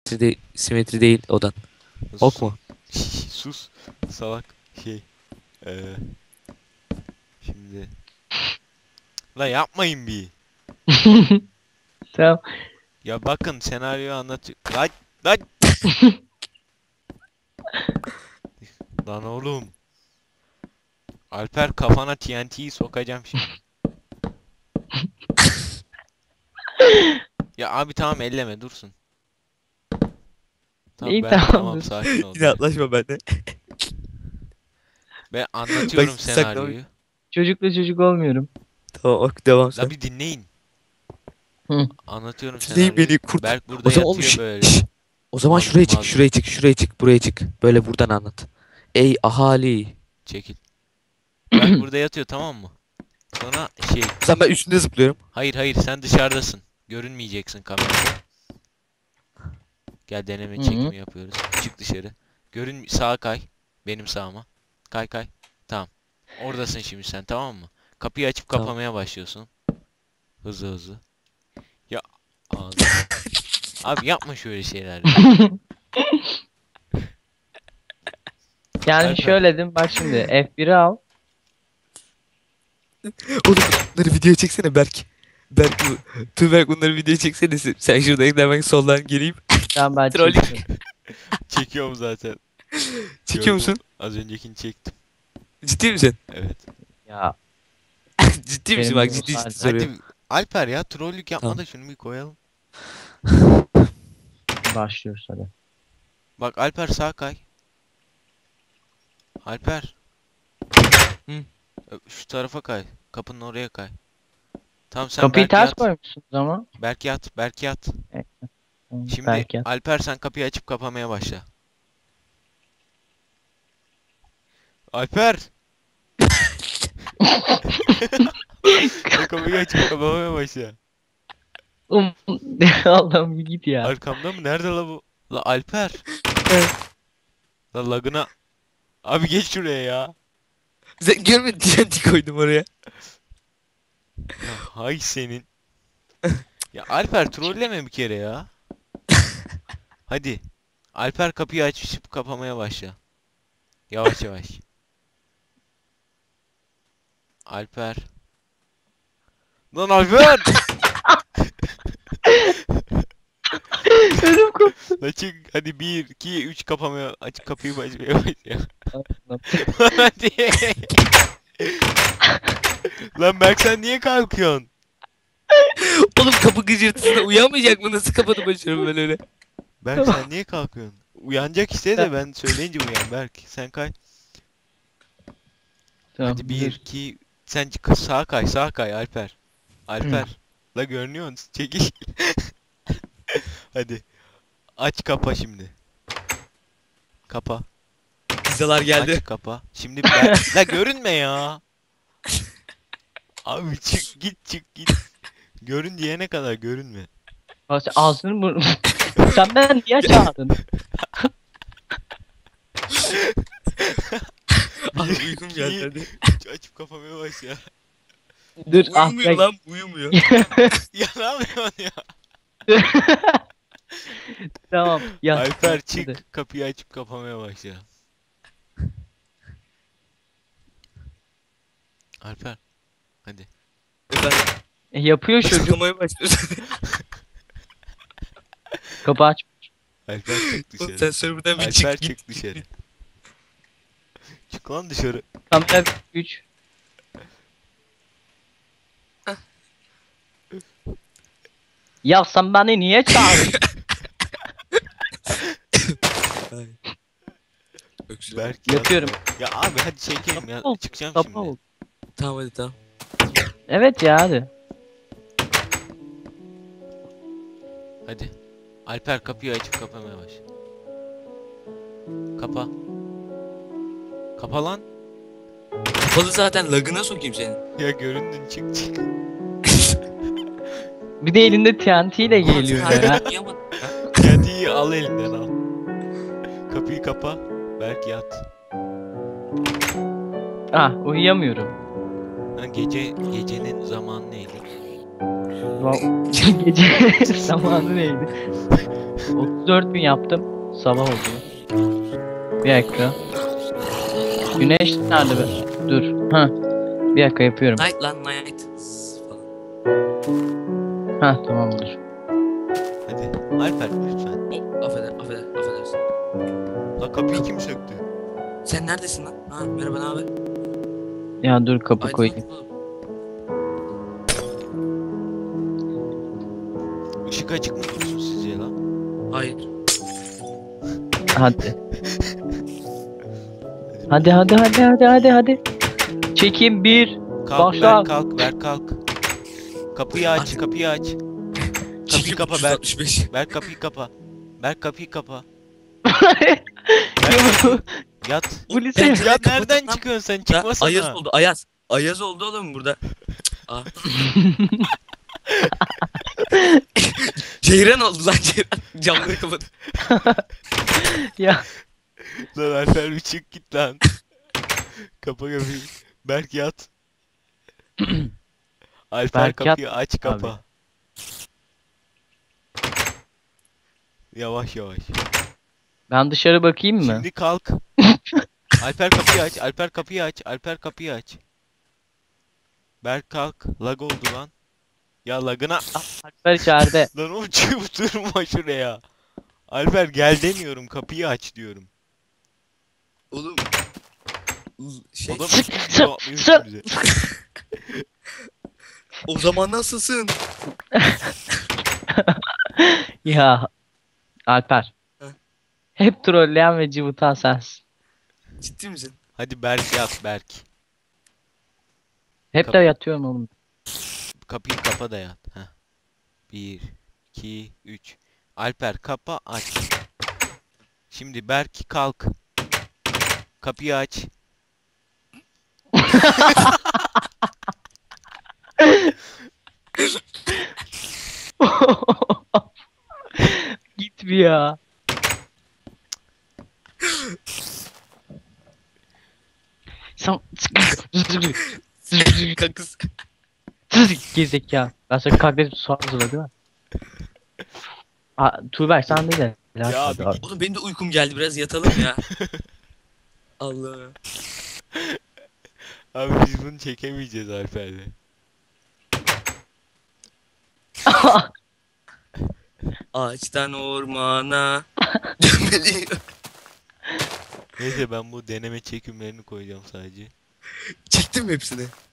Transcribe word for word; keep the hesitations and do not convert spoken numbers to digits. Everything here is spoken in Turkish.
Simetri, simetri değil odan. Ok mu? Sus salak şey. Ee, şimdi. La yapmayın bir. Tamam. Ya bakın senaryoyu anlatıyor. Lan lan. Lan oğlum. Alper kafana T N T'yi sokacağım şimdi. Ya abi tamam elleme dursun. Tamam İyi, ben tamam, tamam dur. sakin ol. İnatlaşma bende. Ben anlatıyorum Bak, sakla- senaryoyu. Çocukla çocuk olmuyorum. Tamam ok devam La sen. bir dinleyin. Hı. Anlatıyorum Dinleyin senaryoyu. beni kurt. Berk burada O zaman yatıyor olmuş. böyle. Şş. O zaman Mazlum, şuraya çık, mazlum. şuraya çık, şuraya çık, buraya çık. Böyle buradan anlat. Ey ahali. Çekil. Berk burada yatıyor tamam mı? Sonra şey. Sen ben üstünde zıplıyorum. Hayır hayır sen dışarıdasın. Görünmeyeceksin kamerada. Gel deneme Hı hı. çekimi yapıyoruz. Çık dışarı. Görün sağa kay. Benim sağıma. Kay kay. Tamam. Oradasın şimdi sen tamam mı? Kapıyı açıp Tamam. kapamaya başlıyorsun. Hızlı hızlı. Ya ağzım. Abi yapma şöyle şeyler. ya. Yani Alper. şöyle dedim, bak şimdi F bir'i al. Oğlum bunları video çeksene Berk. Berk bu. Tuğberk bunları video çeksene. Sen Sen şurada hemen soldan geleyim. Tamam, ben Troll. çektim. Çekiyorum zaten. Çekiyor Gördüm. musun? Az öncekini çektim. Ciddi misin? Evet. Ya Ciddi misin? Benim Bak ciddi olsaydı. ciddi soruyorum. Hadi Alper ya trollük yapma Tamam. da şunu bir koyalım. başlıyoruz hadi. Bak Alper sağ kay. Alper. Hı. Ö, Şu tarafa kay. Kapının oraya kay. Tamam sen Kapıyı Berk ters yat. koymuşsunuz ama. Berk yat. Berk yat. Tamam, Şimdi belki. Alper sen kapıyı açıp kapamaya başla. Alper. Sen kapıyı açıp kapamaya başla. Um, Allah'ım bir git ya. Arkamda mı? Nerede la bu? La Alper. Evet. La lagına. Abi geç şuraya ya. Sen görmedin T N T koydum oraya. Ya hay senin. Ya Alper trolleme bir kere ya. Hadi. Alper kapıyı açıp kapamaya başla. Yavaş yavaş. Alper. Lan Alper! Ödüm koptu. La çık hadi bir iki üç kapamaya aç kapıyı açmaya başla. Allah'ım. Hadi. Lan Berk sen niye kalkıyorsun? Oğlum kapı gıcırtısına uyanmayacak mı? Nasıl kapatı başarım ben öyle? Berk sen niye kalkıyorsun? Uyanacak işte de ben söyleyince uyan Berk. Sen kay. Tamam, Hadi bir dur. iki sen çık- sağa kay sağa kay Alper. Alper. La görünüyorsun çekil. Hadi. Aç kapa şimdi. Kapa. Pizzalar geldi. Aç kapa. Şimdi Berk. La görünme ya. Abi çık git çık git. Görün diyene kadar görünme. Aa, sen ağzını burnunu. Sen beni niye çağırdın? Abi uykum geldi hadi. Aç, açıp kafamaya baş ya. Dur, ah Uyumuyor be. lan uyumuyor. Ya ne yapıyorsun ya? Tamam. Ya. Alper hadi. çık kapıyı açıp kapamaya başla. Alper. Hadi. Efendim E, yapıyor çocuk. açıklamaya başlıyorsun. Kapı aç. Alper çık Oğlum dışarı. sen serverden bir Alper çık git. çık dışarı. Çık lan dışarı. Kamera üç. Ya sen beni niye çağırdın? Ay. Öksürük. Berk Yatıyorum. Ya abi hadi çekelim ya. Kapı ol, Çıkacağım Kapı şimdi. ol. Tamam hadi tamam. Evet ya, hadi. Hadi. Alper kapıyı açıp kapamaya baş. Kapa. Kapa lan. Kapalı zaten lagına sokayım senin. Ya göründün çık çık. Bir de elinde T N T ile geliyor ya. Hala uyuyamadın. Kendiyi al elinden al. Kapıyı kapa. Berk yat. Ah, uyuyamıyorum. Ha, gece gecenin zamanı neydi? Va- Gece zamanı neydi? otuz dört bin yaptım. Sabah oldu. Bir dakika. Güneş nerede be? Dur. Ha. Bir dakika yapıyorum. Night lan night. Falan. Ha tamam olur. Hadi Alper lütfen. Oh, affeder, affeder, affedersin. La kapıyı kim söktü? Sen neredesin lan? Ha merhaba ne haber? Ya dur kapı Ay, koyayım. oğlum. Işık açık mı dursun sizce la? Hayır. Hadi. Hadi hadi hadi hadi hadi hadi. Çekim bir. Kalk Başla. ver kalk ver kalk. Kapıyı aç Hadi. kapıyı aç. Kapıyı Çekim kapa üç yüz Berk. altmış beş. Berk kapıyı kapa. Berk kapıyı kapa. Ya, Yat. Bu lise Ben- Ya Kapatın nereden lan. çıkıyorsun sen? Ya, Çıkmasana. Ayaz oldu Ayaz. Ayaz oldu oğlum burada. Aa. Ceyran oldu lan Ceyran. Camları kapat. ya Lan Alper bir çık git lan. Kapa kapıyı. Berk yat. Alper Berk yat kapıyı aç kapa. abi. Yavaş yavaş. ben dışarı bakayım mı? Şimdi kalk. Alper kapıyı aç. Alper kapıyı aç. Alper kapıyı aç. Berk kalk. Lag oldu lan. Ya lagına. Alper içeride. Lan oğlum çıkıp durma şuraya. Alper gel demiyorum. Kapıyı aç diyorum. Oğlum. Şey, Adam Sık, üstümüze sık, atlıyor sık. üstümüze. o zaman nasılsın? Ya Alper. Heh. Hep trolleyen ve cıvıtan sensin. Ciddi misin? Hadi Berk yat Berk. Hep Kap- de yatıyorum oğlum. Kapıyı kapa da yat. Heh. Bir, iki, üç. Alper kapa aç. Şimdi Berk kalk. Kapıyı aç. Git bir ya. Sen Kakız. gezek ya. Ben sana kaklet su hazırla değil mi? Aa, Tuğber sen değil de. Ya abi abi. Oğlum benim de uykum geldi biraz yatalım ya. Allah. Abi biz bunu çekemeyeceğiz Alper'le. Ağaçtan ormana. Dönmeli. Neyse ben bu deneme çekimlerini koyacağım sadece. Çektim mi hepsini?